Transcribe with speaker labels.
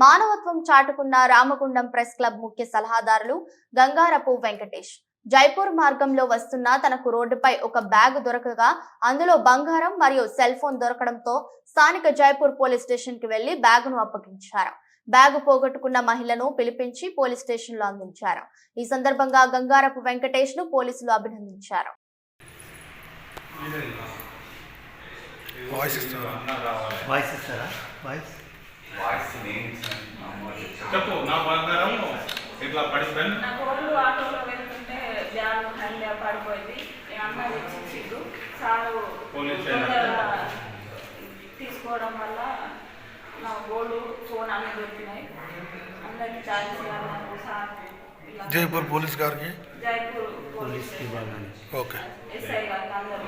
Speaker 1: మానవత్వం చాటుకున్న Ramagundam press club ముఖ్య సలహాదారులు గంగారపు వెంకటేష్ జైపూర్ మార్గంలో వస్తున్న తనకు రోడ్డుపై ఒక బ్యాగ్ దొరకగా అందులో బంగారం మరియు సెల్ ఫోన్ దొరకడంతో స్థానిక జైపూర్ పోలీస్ స్టేషన్ కి వెళ్లి బ్యాగును అప్పగించారు. బ్యాగు పోగొట్టుకున్న మహిళను పిలిపించి పోలీస్ స్టేషన్ లో అందించారు. ఈ సందర్భంగా గంగారపు వెంకటేష్ ను పోలీసులు అభినందించారు.
Speaker 2: చెప్పు నా బంగారం ఇట్లా పడిపోయింది.
Speaker 3: నా కోళ్ళు ఆటోలో వెళ్తుంటే బ్యాగ్ హ్యాండ్ పడిపోయింది. అన్న తెచ్చిచ్చిండు సారు తీసుకోవడం వల్ల నా గోల్డ్ ఫోన్ అన్నీ దొరికినాయి. అందరికి ఛార్జ్ చేయాలన్నారు సార్.
Speaker 4: జైపూర్ పోలీస్ గారికి
Speaker 3: జైపూర్ పోలీస్
Speaker 4: ఓకే
Speaker 3: ఎస్ఐ గారికి అందరూ